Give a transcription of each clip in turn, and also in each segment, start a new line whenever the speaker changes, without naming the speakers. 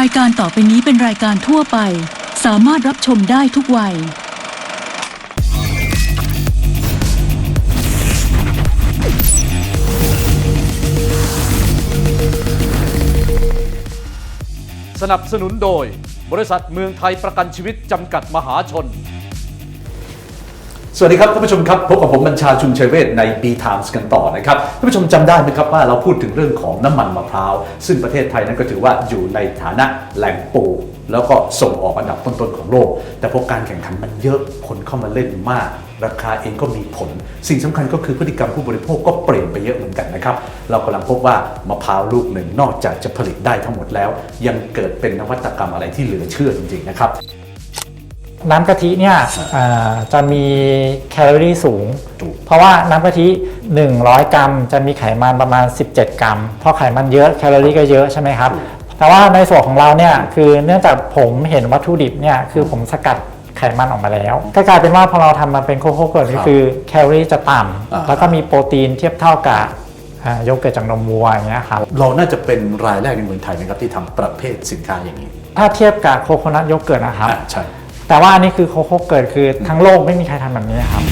ายการต่อไปนี้เป็นรายการทั่วไปสามารถรับชมได้ทุกวัย
สนับสนุนโดยบริษัทเมืองไทยประกันชีวิตจำกัดมหาชนสวัสดีครับท่านผู้ชมครับพบกับผมบัญชาชุมชัยเวชใน B Times กันต่อนะครับท่านผู้ชมจำได้ไหมครับว่าเราพูดถึงเรื่องของน้ำมันมะพร้าวซึ่งประเทศไทยนั้นก็ถือว่าอยู่ในฐานะแหล่งปลูกแล้วก็ส่งออกอันดับต้นๆของโลกแต่พอการแข่งขันมันเยอะคนเข้ามาเล่นมากราคาเองก็มีผลสิ่งสำคัญก็คือพฤติกรรมผู้บริโภคก็เปลี่ยนไปเยอะเหมือนกันนะครับเรากำลังพบว่ามะพร้าวลูกหนึ่งนอกจากจะผลิตได้ทั้งหมดแล้วยังเกิดเป็นนวัตกรรมอะไรที่เหลือเชื่อจริงๆนะครับ
น้ำกะทิเนี่ยจะมีแคลอรี่สูงเพราะว่าน้ำกะทิ100 กรัมจะมีไขมันประมาณ17 กรัมพอไขมันเยอะแคลอรี่ก็เยอะใช่ไหมครับแต่ว่าในส่วนของเราเนี่ยคือเนื่องจากผมเห็นวัตถุดิบเนี่ยคือผมสกัดไขมันออกมาแล้วก็กลายเป็นว่าพอเราทำมาเป็นโคโค่เกิร์ตก็คือแคลอรี่จะต่ำแล้วก็มีโปรตีนเทียบเท่ากับโยเกิร์ตจากนมวัวอย่างเงี้ยครับ
เราน่าจะเป็นรายแรกในเมืองไทยไหมครับที่ทำประเภทสินค้าอย่างนี้
ถ้าเทียบกับโคโคนัทโยเกิร์ตนะครับ
ใช่
แต่ว่าอันนี้คือโคโค่เกิร์ตคือทั้งโลกไม่มีใครทำแบบนี้ครับ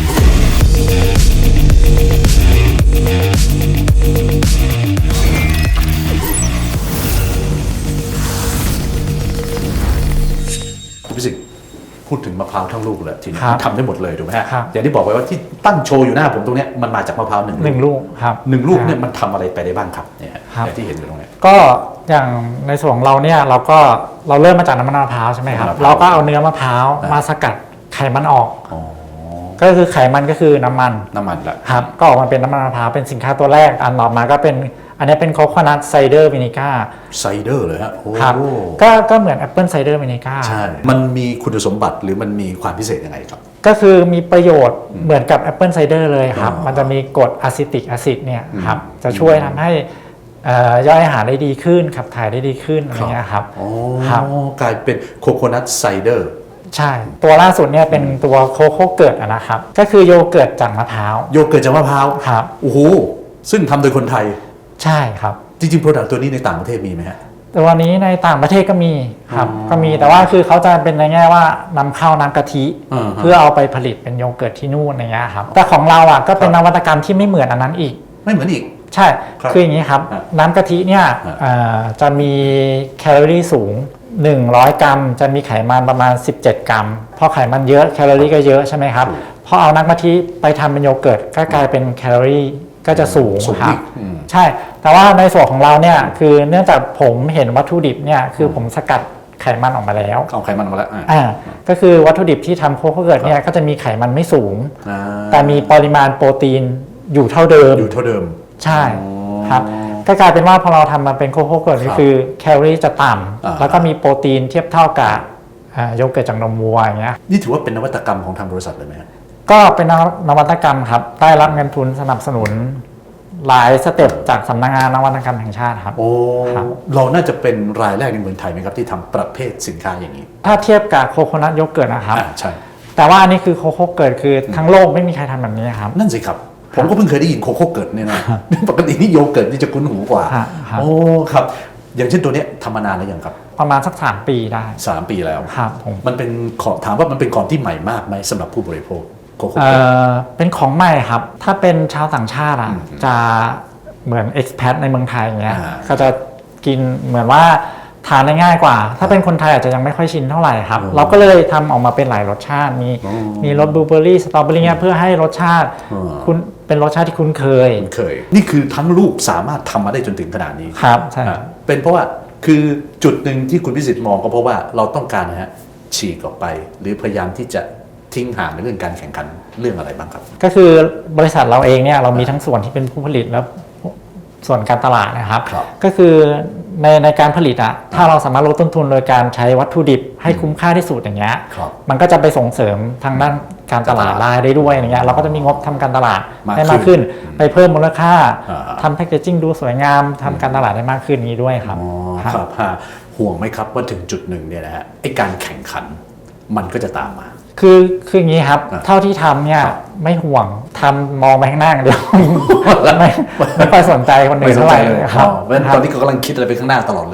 คุณพิสิทธิ์พูดถึงมะพร้าวทั้งลูกเลยทีนี้ทำได้หมดเลยถูกไหมฮะ
อย่าง
ที่บอกไว้ว่าที่ตั้งโชว์อยู่หน้าผมตรงนี้มันมาจากมะพร้าวหนึ่ง
ลูกครับ
1 ลูกเนี่ยมันทำอะไรไปได้บ้างครับเนี่ยที่เห็นอยู่ตรงนี้
ก็อย่างในส่วนของเราเนี่ยเราเริ่มมาจากน้ำมันมะพร้าวใช่ไหมครับเราก็เอาเนื้อมะพร้าวมาสกัดไขมันออกก็คือไขมันก็คือน้ำมัน
แหละ
ครับก็ออกมาเป็นน้ำมันมะพร้าวเป็นสินค้าตัวแรกอันต่อมาก็เป็นอันนี้เป็นโคโคนัทไซเดอร์วินิก้า
ไซเดอร์เลยฮะ
ครับก็เหมือนแอปเปิลไซเดอร์วินิก้า
ใช่มันมีคุณสมบัติหรือมันมีความพิเศษยังไงครับ
ก็คือมีประโยชน์เหมือนกับแอปเปิลไซเดอร์เลยครับมันจะมีกรดอะซิติกแอซิดเนี่ยครับจะช่วยทำให้ย่อยอาหารได้ดีขึ้นขับถ่ายได้ดีขึ้นอะไรเงี้ยครับ
กลายเป็นโคโคนัทไซเดอร์
ใช่ตัวล่าสุดเนี่ยเป็นตัวโคโค่เกิร์ตนะครับก็คือโยเกิร์ตจากมะพร้าว
โยเกิร์ตจากมะพร้าว
ครับ
โอ้โหซึ่งทำโดยคนไทย
ใช่ครับ
จริงๆโปรดักต์ตัวนี้ในต่างประเทศมีไหมฮะ
แต่วันนี้ในต่างประเทศก็มีครับก็มีแต่ว่าคือเขาจะเป็นในแง่ว่านำเข้าน้ำกะทิเพื่อเอาไปผลิตเป็นโยเกิร์ตที่นู่นอย่างเงี้ยครับแต่ของเราอ่ะก็เป็นนวัตกรรมที่ไม่เหมือนอันนั้นอีก
ไม่เหมือนอีก
ใช่คืออย่างนี้ครับน้ำกะทิเนี่ยจะมีแคลอรี่สูง100 กรัมจะมีไขมันประมาณ17 กรัมพอไขมันเยอะแคลอรี่ก็เยอะใช่ไหมครับพอเอาน้ำกะทิไปทำเป็นโยเกิร์ตก็กลายเป็นแคลอรี่ก็จะสูงครับใช่แต่ว่าในส่วนของเราเนี่ยคือเนื่องจากผมเห็นวัตถุดิบเนี่ยคือผมสกัดไขมันออกมาแล้ว
เอาไขมันออกมาแล้ว
ก็คือวัตถุดิบที่ทำโคโค่เกิร์ตเนี่ยก็จะมีไขมันไม่สูงแต่มีปริมาณโปรตีนอยู่เท่าเดิมใช่ครับก็กลายเป็นว่าพอเราทำมาเป็นโคโค่เกิร์ตก็คือแคลอรี่จะต่ำแล้วก็มีโปรตีนเทียบเท่ากับโยเกิร์ตจากนมวัวอย่างเงี้ย
นี่ถือว่าเป็นนวัตกรรมของทางบริษัทเลยไหม
ก็เป็นนวัตกรรมครับได้รับเงินทุนสนับสนุนหลายสเต็ปจากสำนักงานนวัตกรรมแห่งชาติครับ
เราน่าจะเป็นรายแรกในเมืองไทยไหมครับที่ทำประเภทสินค้าอย่างนี้
ถ้าเทียบกับโคโคนัทโยเกิร์ตนะครับ
ใช่
แต่ว่าอันนี้คือโคโค่เกิร์ตคือทั้งโลกไม่มีใครทำแบบนี้ครับ
นั่นสิครับผมก็เพิ่งเคยได้ยินโคโค่เกิร์ตเนี่ยนะปกตินี่โยเกิร์ตนี่จะคุ้นหูกว่าโอ้ครับอย่างเช่นตัวนี้ทำมานานแล้วยังครับ
ประมาณสัก3 ปีได้
3 ปีแล้ว
ครับ
มันเป็นของถามว่ามันเป็นของที่ใหม่มากไหมสำหรับผู้บริโภค
เป็นของใหม่ครับถ้าเป็นชาวต่างชาติจะเหมือน expat ในเมืองไทยอย่างเงี้ยก็จะกินเหมือนว่าทานได้ง่ายกว่าถ้าเป็นคนไทยอาจจะยังไม่ค่อยชินเท่าไหร่ครับเราก็เลยทำออกมาเป็นหลายรสชาติมีรสบลูเบอร์รี่สตรอเบอร์รี่เพื่อให้รสชาติคุณเป็นรสชาติที่คุ้นเคย
นี่คือทั้งลูกสามารถทำมาได้จนถึงขนาดนี้
ครับใช่
เป็นเพราะว่าคือจุดหนึ่งที่คุณพิสิทธิ์มองก็เพราะว่าเราต้องการนะฮะฉีกออกไปหรือพยายามที่จะทิ้งห่างในเรื่องการแข่งขันเรื่องอะไรบ้างครับ
ก็คือบริษัทเราเองเนี่ยเรามีทั้งส่วนที่เป็นผู้ผลิตและส่วนการตลาดนะครับก็คือในการผลิตถ้าเราสามารถลดต้นทุนโดยการใช้วัตถุดิบให้คุ้มค่าที่สุดอย่างเงี้ยมันก็จะไปส่งเสริมทางด้านการตลาดได้ด้วยอย่างเงี้ยเราก็จะมีงบทำการตลาดได้มากขึ้นไปเพิ่มมูลค่าทำแพคเกจิ้งดูสวยงามทำการตลาดได้มากขึ้นนี้ด้วยครับ
ครับห่วงไหมครับว่าถึงจุดหนึ่งเนี่ยนะฮะไอ้การแข่งขันมันก็จะตามมา
คืออย่างนี้ครับเท่าที่ทำเนี่ยไม่ห่วงทำมองไปข้างหน้าเดียวไม่ค่อยสนใจคนอื่นเท่าไหร่
ครับเพราะตอนนี้ก็กำลังคิดอะไรไปข้างหน้าตลอดเลย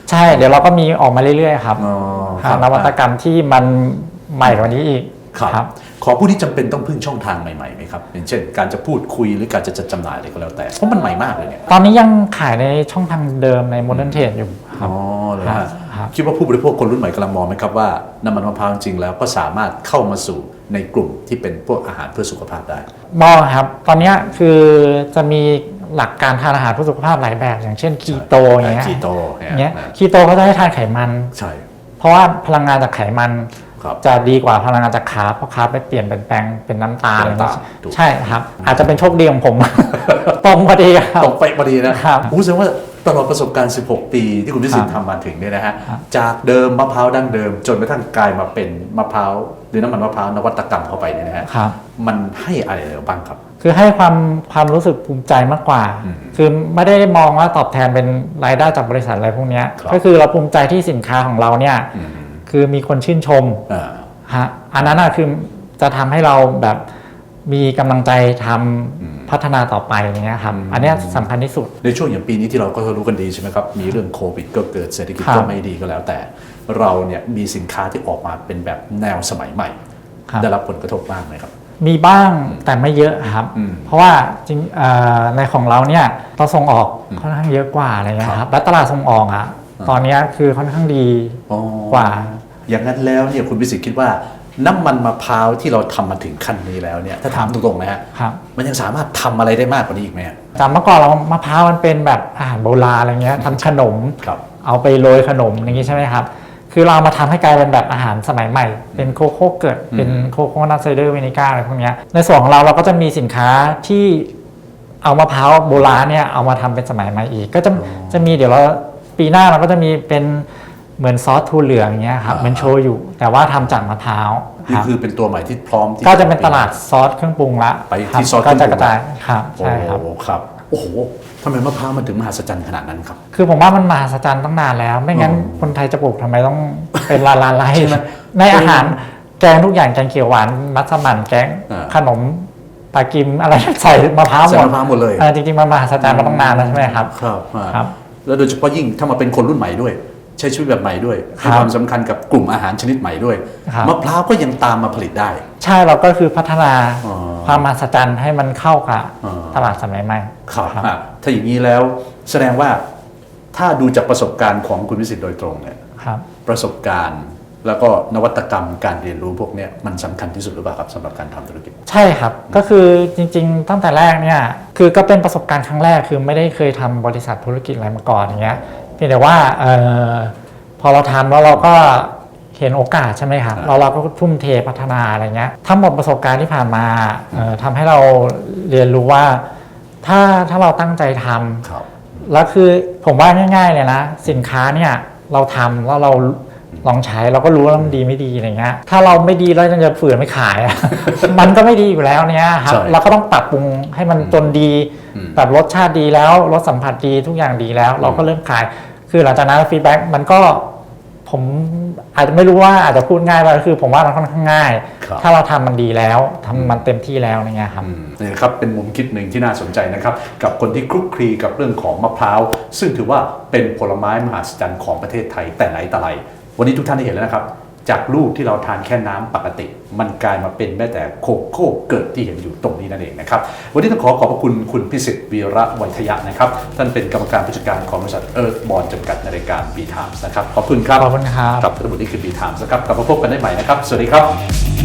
ใช่เดี๋ยวเราก็มีออกมาเรื่อยๆครับ
อ๋อครับ
นวัตกรรมที่มันใหม่กว่านี้อีก
ครับขอผู้ที่จำเป็นต้องพึ่งช่องทางใหม่ๆไหมครับอย่างเช่นการจะพูดคุยหรือการจะจัดจำหน่ายอะไรก็แล้วแต่เพราะมันใหม่มากเลยเนี่ย
ตอนนี้ยังขายในช่องทางเดิมใน Modern Trade อยู่ครับ
อ๋อเลยฮะ
ครับ
คิดว่าผู้บริโภคคนรุ่นใหม่กำลังมองไหมครับว่าน้ำมันมะพร้าวจริงๆแล้วก็สามารถเข้ามาสู่ในกลุ่มที่เป็นพวกอาหารเพื่อสุขภาพได้
มองครับ ตอนนี้คือจะมีหลักการทานอาหารเพื่อสุขภาพหลายแบบ อย่างเช่นคีโตอย่างเงี้ย
คีโต
อย่างเงี้ยคีโตเขาจะให้ทานไขมัน
ใช่
เพราะว่าพลังงานจากไขมัน
ครับ
จะดีกว่าพลังงานจากคาร์บเพราะคาร์บไปเปลี่ยนเป็นแปลงเป็นน้ำตาล
เป็นน้ำตาลถูก
ใช่ครับ อาจจะเป็นโชคดีของผม ตรงพอดีครับ
ตกไปพอดีนะครับ แสดงว่าตลอดประสบการณ์ 16 ปีที่คุณพิสิทธิ์ทำมาถึงเนี่ยนะฮะ
ครับ
จากเดิมมะพร้าวดั้งเดิม จนกระทั่งกลายมาเป็นมะพร้าวหรือน้ำมันมะพร้าวนวัตกรรมเข้าไปเนี่ยนะฮะ
ครับ
มันให้อะไรเราบ้างครับ
คือให้ความรู้สึกภูมิใจมากกว่า
อืม
คือไม่ได้มองว่าตอบแทนเป็นรายได้จากบริษัทอะไรพวกเนี้ย
ครับ
ก็คือเราภูมิใจที่สินค้าของเราเนี่ย
อืม
คือมีคนชื่นชม
อ่า
ฮะอันนั้นคือจะทำให้เราแบบมีกำลังใจทำพัฒนาต่อไปอย่างเงี้ยครับ อันเนี้ยสำคัญที่สุด
ในช่วงอย่างปีนี้ที่เราก็รู้กันดีใช่ไหมครับ มีเรื่องโควิดก็เกิดเศรษฐกิจ
ครับ
ก็ไม่ดีก็แล้ว แต่เราเนี่ยมีสินค้าที่ออกมาเป็นแบบแนวสมัยใหม่
ครับ
ได้รับผลกระทบบ้างไหมครับ
มีบ้างแต่ไม่เยอะครับ
อืม
เพราะว่าจริงในของเราเนี่ยเราส่งออกค่อนข้างเยอะกว่าอะไรเงี้ย
ค
ค
รั
รับ บและตลาดส่งออกอ่ะตอนเนี้ยคือค่อนข้างดี
อ๋อก
ว่า
อย่างนั้นแล้วเนี่ยคุณวิสิทธิ์คิดว่าน้ำมันมะพร้าวที่เราทำมาถึงขั้นนี้แล้วเนี่ยถ้าถามตรงๆนะฮะ
ครับ
มันยังสามารถทำอะไรได้มากกว่านี้อีกไหมฮะ
จากเมื่อก่อนเรามะพร้าวมันเป็นแบบอาหารโบราณอะไรเงี้ยทำขนม
ครับ
เอาไปโรยขนมอย่างงี้ใช่ไหมครับ คือเรามาทำให้กลายเป็นแบบอาหารสมัยใหม่ เป็นโคโค่เกิด เป็นโคโค่นัทไซเดอร์เวนิก้าอะไรพวกเนี้ยในส่วนของเราก็จะมีสินค้าที่เอามะพร้าวโบราณเนี่ยเอามาทำเป็นสมัยใหม่อีก ก็จะมีเดี๋ยวเราปีหน้าเราก็จะมีเป็นเหมือนซอสถั่วเหลืองอย่างเงี้ยครับ
อ่า
เหมันโชยุแต่ว่าทำจากมะพร้าว
นี่
ครับ
คือเป็นตัวใหม่ที่พร้อมที่
ก็จะเป็นตลาดซอสเครื่องปรุงละ
ไป
ครับ
ที่ซอสเค
ก็
รื่องปรุง
จะกระจายครับ
โอ้
ใช่ครับ
ครับโอ้โหทำไมมะพร้าวมันถึงมหัศจรรย์ขนาดนั้นครับ
คือผมว่ามันมหัศจรรย์ตั้งนานแล้ว ไม่งั้น
อ๋อ
คนไทยจะปลูกทำไมต้องเป็นล้านๆไร่
ใช่ไหม
ในอาหารแกงทุกอย่างแกงเขียวหวานมัสมั่นแกง
อ่า
ขนมปลากิมอะไร ใส่มะพร้าวห
ใส่
มด
มะพร้าวหมดเลย
จริงๆมันมหัศจรรย์มาตั้งนานแล้วใช่ไหมครับ
ครับอ่า
ครับ
แล้วโดยเฉพาะยิ่งถ้ามาเป็นคนรุ่นใหม่ด้วย ใช้ชีวิตแบบใหม่ด้วย
ครั
ให้
บ
ความสำคัญกับกลุ่มอาหารชนิดใหม่ด้วย
ครับ
มะพร้าวก็ยังตามมาผลิตได้
ใช่เราก็คือพัฒนา
อ๋อ
ความมหัศจรรย์ให้มันเข้ากับ
อ๋อ
ตลาดสมัยใหม่
ครับ
ครับ
อ่ะถ้าอย่างนี้แล้วแสดงว่าถ้าดูจากประสบการณ์ของคุณวิสิทธิ์โดยตรงเนี่ย
ครับ
ประสบการณ์แล้วก็นวัตกรรมการเรียนรู้พวกเนี้ยมันสำคัญที่สุดหรือเปล่าครับสำหรับการทำธุรกิจ
ใช่ครับ ก็คือจริงๆ ตั้งแต่แรกเนี่ยคือก็เป็นประสบการณ์ครั้งแรกคือไม่ได้เคยทำบริษัทธุรกิจอะไรมาก่อนอย่างเงี้ยเพียงแต่ว่าพอเราทำแล้วเราก็เห็นโอกาสใช่ไหมครับ
ครับ
เราก็ทุ่มเทพัฒนาอะไรเงี้ยทั้งหมดประสบการณ์ที่ผ่านมาทำให้เราเรียนรู้ว่าถ้าเราตั้งใจทำ
ครับ
แล้วคือผมว่าง่ายๆเลยนะสินค้าเนี่ยเราทำแล้วเราลองใช้เราก็รู้ว่ามันดีไม่ดีอะไรเงี้ยถ้าเราไม่ดีแล้วจะฝืนไม่ขายอะ มันก็ไม่ดีอยู่แล้วเนี่ยครับ
ใช่
เราก็ต้องปรับปรุงให้มันจนดี
อืม
แบบรสชาติดีแล้วรสสัมผัสดีทุกอย่างดีแล้ว เราก็เริ่มขาย คือหลังจากนั้นฟีดแบ็กมันก็ผมอาจจะไม่รู้ว่าอาจจะพูดง่ายไปคือผมว่ามันค่อนข้างง่าย
ครับ
ถ้าเราทำมันดีแล้วทำมันเต็มที่แล้วอะไรเงี้ยครับ
นี่นะครับเป็นมุมคิดหนึ่งที่น่าสนใจนะครับกับคนที่คลุกคลีกับเรื่องของมะพร้าวซึ่งถือว่าเป็นผลไม้มหัศจรรย์ของประเทศไทยแต่ไหนแต่ไรวันนี้ทุกท่านได้เห็นแล้วนะครับ จากลูกที่เราทานแค่น้ำปกติ มันกลายมาเป็นแม้แต่โคโค่เกิดที่เห็นอยู่ตรงนี้นั่นเองนะครับวันนี้ต้องขอขอบพระคุณคุณพิสิทธิ์วีระไวยทยะนะครับท่านเป็นกรรมการผู้จัดการของบริษัทเอิร์ธบอลจำกัดในรายการ B Times นะครับขอบคุณครับ
ขอบคุณครับ
กับทั้งหมดนี้คือ B Times นะครับกลับมาพบกันได้ใหม่นะครับสวัสดีครับ